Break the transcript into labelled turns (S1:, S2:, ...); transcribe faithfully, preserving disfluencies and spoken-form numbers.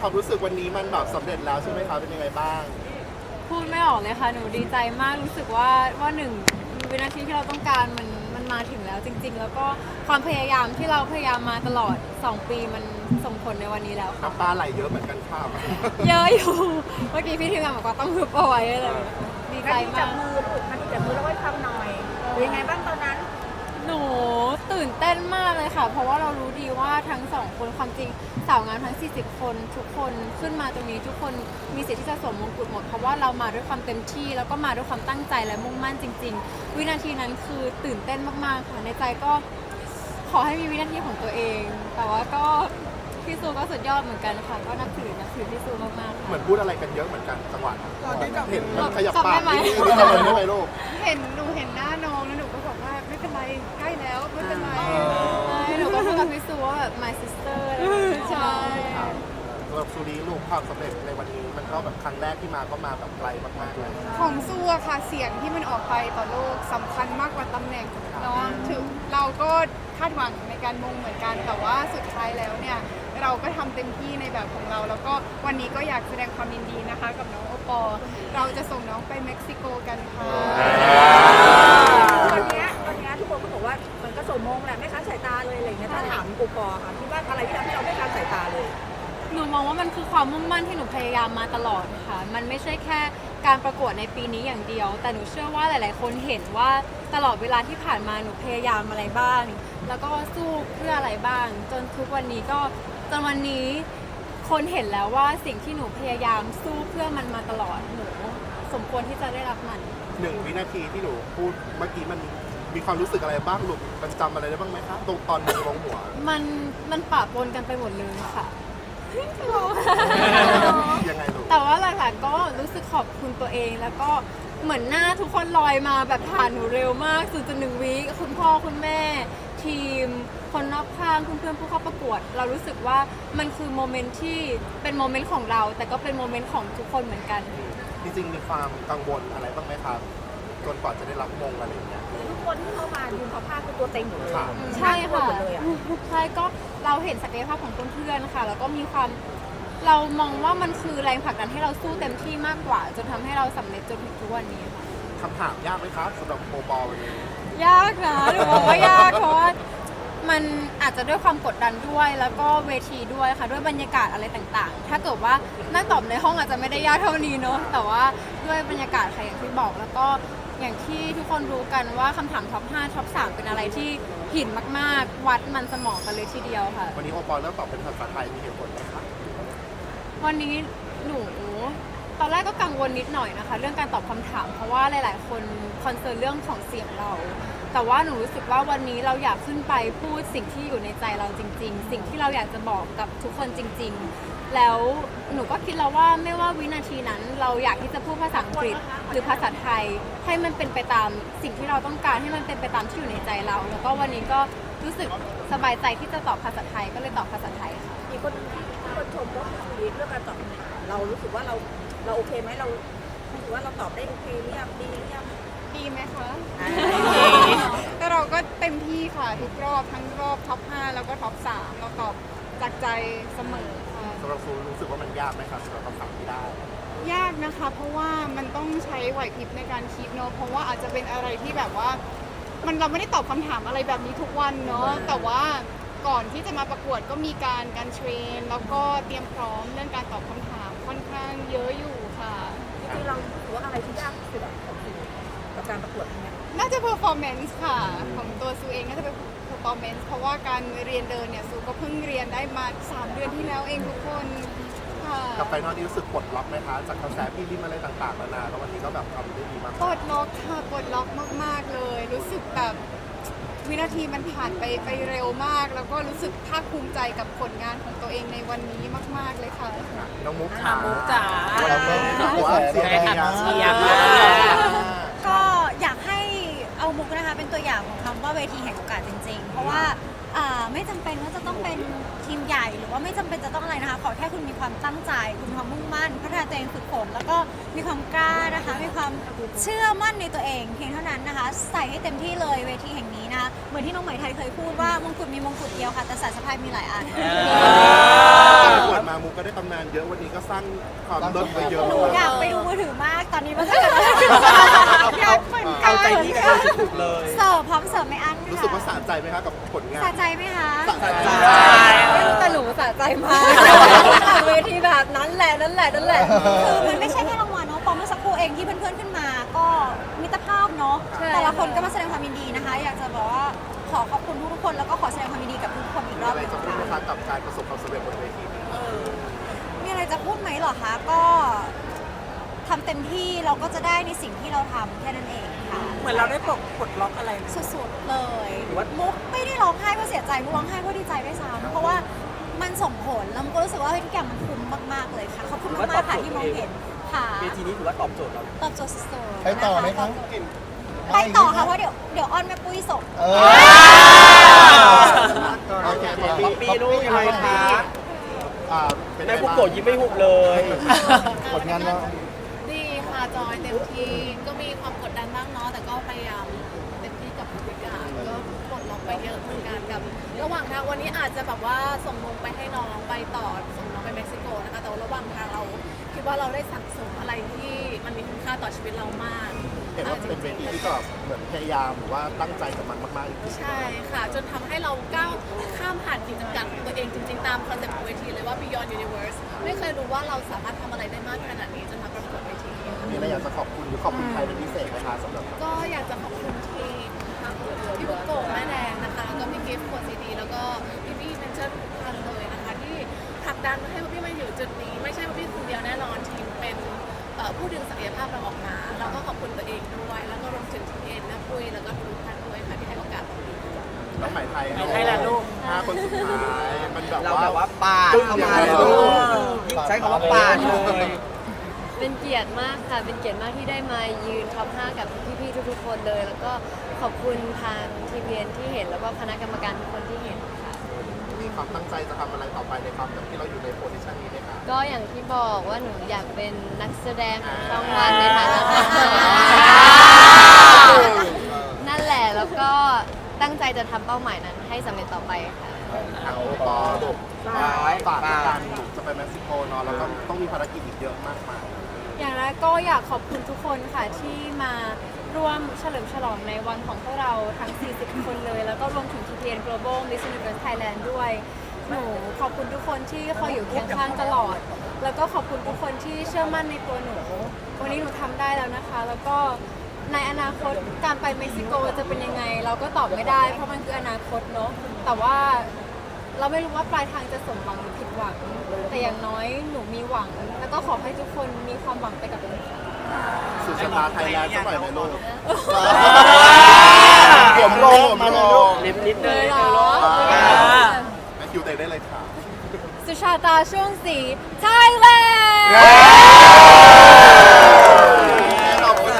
S1: ความรู้สึกวันนี้มันแบบสำเร็จแล้วใช่ไหมคะเป็นยังไงบ้าง
S2: พูดไม่ออกเลยค่ะหนูดีใจมากรู้สึกว่าว่าหนึ่งวินาทีที่เราต้องการมันมันมาถึงแล้วจริง ๆ แล้วก็ความพยายามที่เราพยายามมาตลอดสองปีมันส่งผลในวันนี้แล้วค่ะ
S1: น้ำตาไหลเยอะเหมือนกันค่ะ
S2: เยอะอยู่เมื่อกี้พี่ทีมงานบอกว่าต้องฮึบเอาไว้เลยดีใจ
S3: นาทีจั
S2: มา
S3: บ
S2: ก
S3: มือลูกนาทีจับมือแล้วไว้ฟังหน่อยเป็นยังไงบ้างตอนนั้น
S2: หนูตื่นเต้นมากเลยค่ะ เพราะว่าเรารู้ดีว่าทั้งสองคนความจริงสาวงามทั้งสี่สิบคนทุกคนขึ้นมาตรงนี้ทุกคนมีสิทธิ์ที่จะสวมมงกุฎหมดเพราะว่าเรามาด้วยความเต็มที่แล้วก็มาด้วยความตั้งใจและมุ่งมั่นจริง ๆ วินาทีนั้นคือตื่นเต้นมากๆค่ะในใจก็ขอให้มีวินาทีของตัวเอง แต่ว่าก็พี่ซูก็สุดยอดเหมือนกันค่ะก็นับถือนับถือพี่ซูมากๆ
S1: เหมื
S2: ค่ะ
S1: อนพูดอะไรกันเยอะเหมือนกันจังหวะนั้น
S4: ตอนที่จับ
S1: เห็นมันขยับ
S2: จับ
S1: ปา
S2: ได้
S1: ก
S2: ไหม
S1: นิดนึงนี่ทำอะไรได้ไหมลูก
S4: เห็นหนูเห็นหน้าน้องแล้วหนูก็บอกว่าไม่เป็นไรใกล้แล้วไม่เป็นไร
S2: ใช่หนูก็พูดกับพี่ซูว่าแบบ my sister อะไรอย่างเงี้ย
S4: ใช่
S1: ครับสำหรับซูรีลูกความสำเร็จในวันนี้มันก็แบบครั้งแรกที่มาก็มาแบบไกลมากๆเลย
S4: ของสู้อะค่ะเสียงที่มันออกไปต่อโลกสำคัญมากกว่าตำแหน่งเนาะถึงเราก็คาดหวังในการมงเหมือนกันแต่ว่าสุดท้ายแล้วเนี่ยเราก็ทำเต็มที่ในแบบของเรา แล้วก็วันนี้ก็อยากแสดงความยินดีนะคะ กับน้องโอปอล์เราจะส่งน้องไปเม็กซิโกกันค่ะ
S3: ตอนเนี้ยตอนเนี้ยทุกคนก็บอกว่ามันก็สมมงแหละไม่ค้านสายตาเลยอะไรอย่างเงี้ยถ้าถามกูปอค่ะคิดว่าอะไรที่ทำให้เราไม่ค้านสายตาเลย
S2: หนูมองว่ามันคือความมุ่งมั่นที่หนูพยายามมาตลอดค่ะ มันไม่ใช่แค่การประกวดในปีนี้อย่างเดียว แต่หนูเชื่อว่าหลาย ๆ คนเห็นว่าตลอดเวลาที่ผ่านมาหนูพยายามอะไรบ้าง แล้วก็สู้เพื่ออะไรบ้าง จนทุกวันนี้ก็จนวันนี้คนเห็นแล้วว่าสิ่งที่หนูพยายามสู้เพื่อมันมาตลอดหนูสมควรที่จะได้รับมัน
S1: หนึ่งวินาทีที่หนูพูดเมื่อกี้มันมีความรู้สึกอะไรบ้างลูกมันจำอะไรได้บ้างไหมคะตรงตอนมือลงหัว
S2: มันมันปะปนกันไปหมดเลยค่ะ
S1: ยังไงลูก
S2: แต่ว่าหลักๆก็รู้สึกขอบคุณตัวเองแล้วก็เหมือนหน้าทุกคนลอยมาแบบผ่านหนูเร็วมากศูนย์จุดหนึ่งวิคุณพ่อคุณแม่ ทีม คนรอบข้างเพื่อนๆผู้เข้าประกวด เรารู้สึกว่ามันคือโมเมนต์ที่เป็นโมเมนต์ของเรา แต่ก็เป็นโมเมนต์ของทุกคนเหมือนกัน
S1: จริงๆมีความกังวลอะไรบ้างไหมครับจนกว่าจะได้รับมงอะไรอย่างเงี้ย
S3: ทุกคนที่เข้ามายืนเขาผ้าคือตัวเต็งหมดเลย
S1: ค่ะ
S2: ใช่ค่ะ
S3: หมดเลยอะ
S2: ใช่ก็เราเห็นศักยภาพของเพื่อนๆค่ะ แล้วก็มีความเรามองว่ามันคือแรงผลักดันให้เราสู้เต็มที่มากกว่า จนทำให้เราสำเร็จจนถึงทุกวันนี้ค่ะ
S1: คำถามยากไหมครับสำหรับโมบอลวันนี้
S2: ยากนะหนูบอกว่ายากเพราะว่ามันอาจจะด้วยความกดดันด้วย แล้วก็เวทีด้วยค่ะด้วยบรรยากาศอะไรต่างๆ ถ้าเกิดว่านั่งตอบในห้องอาจจะไม่ได้ยากเท่านี้เนอะแต่ว่าด้วยบรรยากาศค่ะอย่างที่บอกแล้วก็อย่างที่ทุกคนรู้กันว่าคำถามท็อปห้าท็อปสามเป็นอะไรที่หินมากๆ วัดมันสมองกันเลยทีเดียวค่ะ
S1: วันนี้โอปอลเลือกตอบเป็นภาษาไทยมีเหตุผลไหมครับ
S2: วันนี้หนูตอนแรกก็กังวลนิดหน่อยนะคะ เรื่องการตอบคำถาม เพราะว่าหลายๆ คนคอนเซิร์นเรื่องของเสียงเรา แต่ว่าหนูรู้สึกว่าวันนี้เราอยากขึ้นไปพูดสิ่งที่อยู่ในใจเราจริง ๆ สิ่งที่เราอยากจะบอกกับทุกคนจริง ๆ แล้วหนูก็คิดแล้วว่าไม่ว่าวินาทีนั้น เราอยากที่จะพูดภาษาอังกฤษหรือภาษาไทย ให้มันเป็นไปตามสิ่งที่เราต้องการให้มันเป็นไปตามที่อยู่ในใจเรา แล้วก็วันนี้ก็รู้สึกสบายใจที่จะตอบภาษาไทยก็เลยตอบภาษาไทยค่ะ
S3: มีคนมีคนชมว่าคุณเรื่องการตอบคำถามเรารู้สึกว่าเราเราโอเคไหมเรารู้สึกว่าเราตอบได้โอเคหรือยังดีหรือยัง
S4: ดีไหมคะแต่เราก็เต็มที่ค่ะทุกรอบทั้งรอบท็อปห้าแล้วก็ท็อปสามเราตอบจากใจเสมอค่ะ
S1: สำหรับซูรู้สึกว่ามันยากไหมครับสำหรับคำถามที่ได้
S4: ยากนะคะเพราะว่ามันต้องใช้ไหวพริบในการคิดเนอะเพราะว่าอาจจะเป็นอะไรที่แบบว่า มันเราไม่ได้ตอบคำถามอะไรแบบนี้ทุกวันเนาะแต่ว่าก่อนที่จะมาประกวดก็มีการการเทรน แล้วก็เตรียมพร้อมเรื่องการตอบคำถามค่อนข้างเยอะอยู่ค่ะ
S3: จริงๆเรารู้สึกว่าอะไรที่ยากที่สุดอะของคุณกับการประกวดเนี่ย
S4: น่าจะ performance ค่ะของตัวซูเองน่าจะเป็น performance เพราะว่าการเรียนเดินเนี่ยซูก็เพิ่งเรียนได้มาสามเดือนที่แล้วเองทุกคนค่ะ
S1: กับไฟนอลนี้รู้สึกปลดล็อกไหมคะจากกระแสพี่ริมอะไรต่างๆนานาแล้ววันนี้ก็แบบทำได้ดีมาก
S4: ปลดล็อกค่ะปลดล็อกมาก ๆ เลย รู้สึกแบบวินาทีมันผ่านไปไปเร็วมาก แล้วก็รู้สึกภาคภูมิใจกับผลงานของตัวเองในวันนี้มาก ๆ เลยค่ะ
S1: น้องมุก
S5: อ่ะมุกจ๋า
S1: เราก็บอกว่าเสียง
S5: ยังไงคะเชียร์
S6: ก็อยากให้เอามุกนะคะเป็นตัวอย่างของคำว่าเวทีแห่งโอกาสจริงๆ เพราะว่าอ่าไม่จำเป็นว่าจะต้องเป็นทีมใหญ่หรือว่าไม่จำเป็นจะต้องอะไรนะคะขอแค่คุณมีความตั้งใจคุณมีความมุ่งมั่นพัฒนาตัวเองฝึกฝนแล้วก็มีความกล้านะคะมีความเชื่อมั่นในตัวเองเพียงเท่านั้นนะคะใส่ให้เต็มที่เลยเวทีแห่งนี้นะคะเหมือนที่น้องไหมไทยเคยพูดว่ามงกุฎมีมงกุฎเดียวค่ะแต่สายสะพายมีหลายอัน
S1: ประกวดมามุกก็ได้ตำนานเยอะวันนี้ก็สร้างความเลิศไปเยอะ
S6: หนูอยากไปดูมือถือมากตอนนี้มันก็จะอยากเหมือนกั
S5: เอา
S6: น
S5: ใจพี่กันสุดๆเลย
S6: เสิร์ฟพร้อมเสิร์ฟไม่อั้นค่ะ
S1: รู้สึกว่าสะใจไหมคะกับผลงาน
S6: สะใจไหมคะ
S1: สะใจ
S3: ไม่รู้แต่หนูสะใจมากเวทีแบบนั้นแหละนั่นแหละนั่นแหละ
S6: คือมันไม่ใช่แค่รางวัลเนาะปอมเมื่อสักครู่เองที่เพื่อนๆขึ้นมา ก็มิตรภาพเนาะ
S3: ใช่
S6: แต่ละคนก็มาแสดงความยินดีนะคะ อยากจะบอกว่าขอขอบคุณทุกๆคนแล้วก็ขอแสดงความยินดีกับทุกคนอีกรอบ
S1: อะไร
S6: หนึง
S1: จะพูด
S6: ค่ะ
S1: นะคะกับการประสบความสำเร็จบนเวทีนี้
S6: มีอะไรจะพูดไหมเหรอคะก็ทำเต็มที่เราก็จะได้ในสิ่งที่เราทำแค่นั้นเองค่ะ
S5: เหมือนเราได้ปลดปลดล็อกอะไรไหม
S6: สุดๆเลย
S5: หรือว่า
S6: มุกไม่ได้ร้องไห้เพราะเสียใจมุกร้องไห้เพราะดีใจด้วยซ้ำเพราะว่ามันส่งผลแล้วมุกก็รู้สึกว่าเฮ้ยทุกอย่างมันคุ้มมากๆเลยค่ะขอบคุณมากๆค่ะที่มองเห็นค่ะ
S5: เวทีนี้ถือว่าตอบโจทย์เรา
S6: ตอบโจทย์สุดๆ
S7: ไปต่อไหมคะ
S6: ไปต่อค่ะเพราะเดี๋ยวเดี๋ยวออนแม่ปุ้ยส่ง
S7: เออ
S1: โอเค
S5: ป๊อปปี้ลูกยังไงคะ
S1: อ่าเป็นไง
S5: แม่ปุ๊ก
S1: บ้าง
S5: โกะยิ้มไม่หุบเลย
S7: ผลงานเรา
S2: ดีค่ะจอยเต็มที่ก็มีความกดดันบ้างเนาะแต่ก็พยายามเต็มที่กับทุกอย่างก็ปลดล็อกไปเยอะเหมือนกันกับ ระหว่างทางวันนี้อาจจะแบบว่าส่งนงไปให้น้องไปต่อส่งน้องไปเม็กซิโกนะคะแต่ว่าระหว่างทางเราคิดว่าเราได้สั่งสมอะไรที่มันมีคุณค่าต่อชีวิตเรามาก
S1: เห็นว่าเป็นเวทีที่ก็เหมือนพยายามหรือว่าตั้งใจกับมันมากๆจริงๆ
S2: ใช่ค่ะ จนทำให้เราก้าวข้ามผ่านขีดจำกัดของตัวเองจริงๆ ตามคอนเซ็ปต์ของเวทีเลยว่า Beyond Universe ไม่เคยรู้ว่าเราสามารถทำอะไรได้มากขนาดนี้จนมาประกวดเวทีนี้ค่ะ
S1: มีอะไรอยากจะขอบคุณหรือขอบคุณใครเป็นพิเศษไหมคะสำหรับ
S2: ก็อยากจะขอบคุณทีมทั้งพี่บุกโกะแม่แดงนะคะแล้วก็พี่กิฟต์ขวดซีดีแล้วก็พี่พี่เมนเชอร์ทุกท่านเลยนะคะที่ผลักดันให้พี่มาอยู่จุดนี้ ไม่ใช่ว่าพี่คนเดียวแน่นอนทีมเป็นเอ่อผู้ดึงศักยภาพเราออกมาแล้วก็ขอบคุณตัวเองด้วยแล้วก็รวมถึงทีมเอ็นนะปุ้ยแล้วก็ทุกท่านด้วยค่ะที่ให้โอกาสเรา
S1: น้องไหมไทย
S5: ไหมไทยแหละลูก
S1: ห้าคนสุดท้ายมันแบบ
S5: เรา
S1: ว่า
S5: แบบว่าปาดเข้ามาเลยใช้คำว่าปาดเลย
S8: เป็นเกียรติมากค่ะ เป็นเกียรติมากที่ได้มายืนท็อปห้ากับพี่ๆทุกๆคนเลย แล้วก็ขอบคุณทางทีพีเอ็นที่เห็น แล้วก็คณะกรรมการทุกคนที่เห็นค่ะ
S1: มีความตั้งใจจะทำอะไรต่อไปในความแบบที่เราอยู่ในโพสิชันนี้ไหมคะ
S8: ก็อย่างที่บอกว่าหนูอยากเป็นนักแสดงของช่องวันในฐานะนักแสดงนั่นแหละ แล้วก็ตั้งใจจะทำเป้าหมายนั้นให้สำเร็จต่อไปค่ะ
S1: ทางโอปอลูกฝากในการลูกจะไปเม็กซิโกเนาะแล้วก็ต้องมีภารกิจอีกเยอะมากมาย
S2: อย่างแรกก็อยากขอบคุณทุกคนค่ะที่มาร่วมเฉลิมฉลองในวันของพวกเราทั้ง สี่สิบ คนเลย แล้วก็รวมถึง ที พี เอ็น Global Miss Universe Thailand ด้วย หนูขอบคุณทุกคนที่คอยอยู่เคียงข้างตลอด แล้วก็ขอบคุณทุกคนที่เชื่อมั่นในตัวหนู วันนี้หนูทำได้แล้วนะคะ แล้วก็ในอนาคตการไปเม็กซิโกจะเป็นยังไง เราก็ตอบไม่ได้เพราะมันคืออนาคตเนาะ แต่ว่าเราไม่รู้ว่าปลายทางจะสมหวังหรือผิดหวัง แต่อย่างน้อยหนูมีหวัง แล้วก็ขอให้ทุกคนมีความหวังไปกับหนูค่ะ
S1: สุดชะตาไทยแลนด์สักหน่อยไหมลูกผมโลงผมโลง
S5: นิดนิดๆเลย
S2: เลยเหรอ
S1: แมทธิวเตได้เลยค่ะ
S2: สุชาตาช่วงสีไทยแลนด์